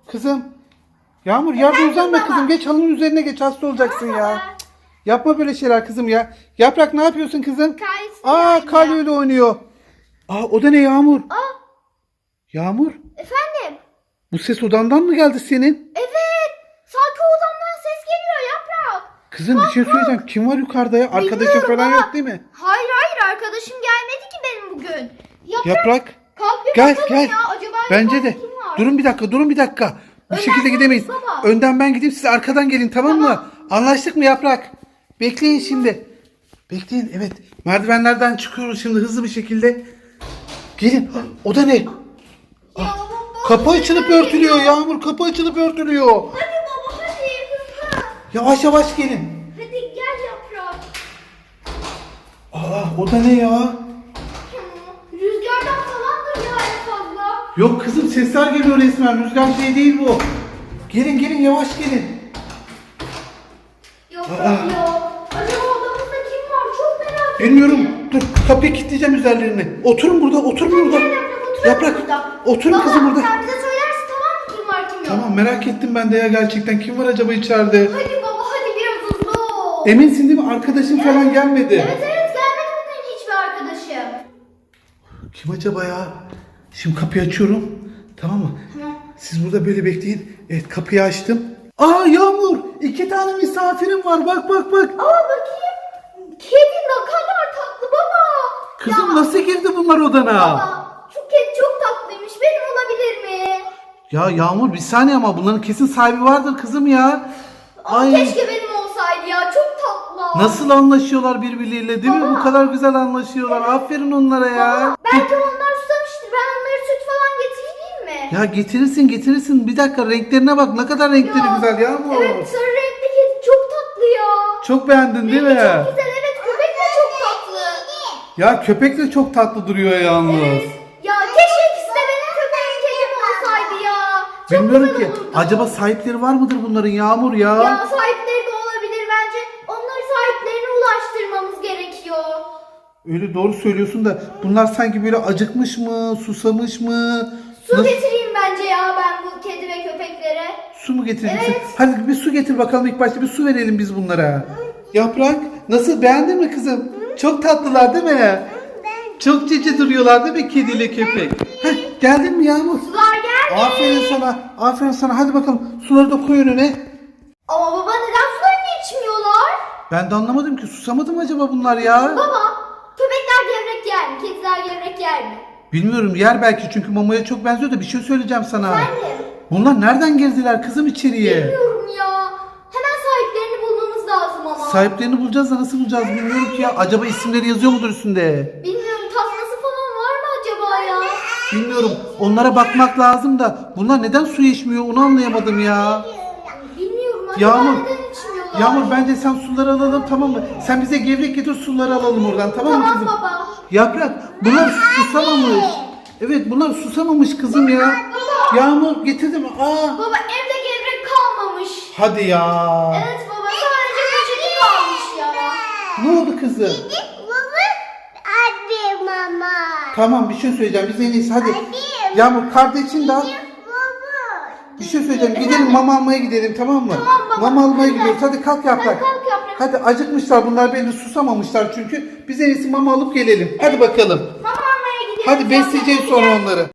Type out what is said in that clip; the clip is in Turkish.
Kızım. Yağmur yerde uzanma kızım. Geç halının üzerine geç, hasta olacaksın ya. Cık, yapma böyle şeyler kızım ya. Yaprak ne yapıyorsun kızım? Kar öyle oynuyor. O da ne Yağmur? Yağmur. Efendim? Bu ses odandan mı geldi senin? Evet. Sanki odamdan ses geliyor Yaprak. Kızım bir şey söyleyeceğim. Kim var yukarıda ya? Arkadaşın falan Bilmiyorum yok değil mi? Hayır arkadaşım gelmedi ki benim bugün. Yaprak. Kalk bir Gel bakalım gel. ya. Acaba Bence yukarıda de. kim var? Durun bir dakika. Bu Önden şekilde sen gidemeyiz. git baba. Önden ben gideyim, siz arkadan gelin, tamam mı? Anlaştık mı Yaprak? Bekleyin şimdi. Bekleyin, evet. Merdivenlerden çıkıyoruz şimdi hızlı bir şekilde. Gelin. O da ne? Ya baba, Kapı açılıp örtülüyor Yağmur. Kapı açılıp örtülüyor. Hadi baba hadi hızlı. Yavaş yavaş gelin. Hadi gel Yaprak. O da ne ya? Rüzgardan falandır ya en fazla. Yok kızım, sesler geliyor resmen. Rüzgar şey değil bu. Gelin yavaş gelin. Yaprak ya. Acaba odamızda kim var? Çok merak ettim. Bilmiyorum. Dur, kapıyı kilitleyeceğim üzerlerini. Oturun burada. Gel Yaprak oturalım burada. Oturun Baba, kızım burada. sen bize söylersin tamam mı kim var kim yok? Tamam, merak ettim ben de ya gerçekten. Kim var acaba içeride? Hadi baba hadi biraz hızlı ol. Eminsin değil mi? Arkadaşın falan gelmedi. Evet gelmedi bugün hiçbir arkadaşım. Kim acaba ya? Şimdi kapıyı açıyorum. Tamam mı? Siz burada böyle bekleyin. Evet, kapıyı açtım. Yağmur! 2 tane misafirim var. Bak. Bakayım. Kedi ne kadar tatlı baba. Kızım nasıl girdi bunlar odana? Baba şu kedi çok tatlıymış. Benim olabilir mi? Ya Yağmur bir saniye, ama bunların kesin sahibi vardır kızım ya. Keşke benim olsaydı ya. Çok tatlı. Nasıl anlaşıyorlar birbirleriyle değil mi? Bu kadar güzel anlaşıyorlar. Aferin onlara ya. Belki onlar susamıştır. Ben onlara süt falan getireyim mi? Ya getirirsin. Bir dakika, renklerine bak. Ne kadar renkleri güzel Yağmur. Evet sarı renkli kedi çok tatlı ya. Çok beğendin değil mi? Çok güzel evet köpek de çok tatlı. Ya köpek de çok tatlı duruyor yalnız. Evet. Ya keşke ikisi de benim köpeğim kedim olsaydı ya. Çok Bilmiyorum güzel ki. olurdu. Acaba sahipleri var mıdır bunların Yağmur ya? Ya sahipleri de olabilir bence. Onları sahiplerine ulaştırmamız gerekiyor. Öyle doğru söylüyorsun da bunlar sanki böyle acıkmış mı, susamış mı? Su Nasıl- getireyim bence ya ben bu kedi ve köpeklere. Su mu getireceksin? Evet. Hadi bir su getir bakalım, ilk başta bir su verelim biz bunlara. Yaprak nasıl, beğendin mi kızım? Çok tatlılar değil mi? Çok cici duruyorlar değil mi kediyle köpek? Geldin mi Yağmur? Sular geldi. Aferin sana. Hadi bakalım suları da koy önüne. Ama baba neden sularını içmiyorlar? Ben de anlamadım ki, susamadı mı acaba bunlar ya? Baba köpekler gevrek yer mi? Kediler gevrek yer mi? Bilmiyorum, yer belki, çünkü mamaya çok benziyor da bir şey söyleyeceğim sana. Efendim? Bunlar nereden girdiler kızım içeriye? Bilmiyorum ya. Hemen sahiplerini bulmamız lazım ama. Sahiplerini bulacağız da nasıl bulacağız bilmiyorum ki ya. Acaba isimleri yazıyor mudur üstünde? Bilmiyorum tasması falan var mı acaba ya? Bilmiyorum. Onlara bakmak lazım da bunlar neden su içmiyor onu anlayamadım ya. Bilmiyorum acaba Yağmur. neden içmiyorlar? Yağmur bence sen suları alalım, tamam mı? Sen bize gevrek getir, suları alalım oradan, tamam mı Tamam kızım? baba. Yaprak, bunlar susamamış. Evet, bunlar susamamış kızım ya. Yağmur getirdim. Baba evde gevrek kalmamış. Hadi ya. Evet baba sadece poşeti kalmış ya. Ne oldu kızım? Abi mama. Tamam, bir şey söyleyeceğim. Biz en iyisi hadi. Hadi. Yağmur kardeşin de al. Baba. Bir şey söyleyeceğim. Gidelim mama almaya gidelim, tamam mı? Tamam baba. Mama almaya Hadi gidiyoruz. Hadi kalk Yaprak. Hadi kalk Yaprak. Hadi, acıkmışlar bunlar, belli susamamışlar çünkü. Biz en iyisi mama alıp gelelim. Hadi bakalım. Mama almaya gidiyoruz. Hadi besleyeceğiz sonra onları.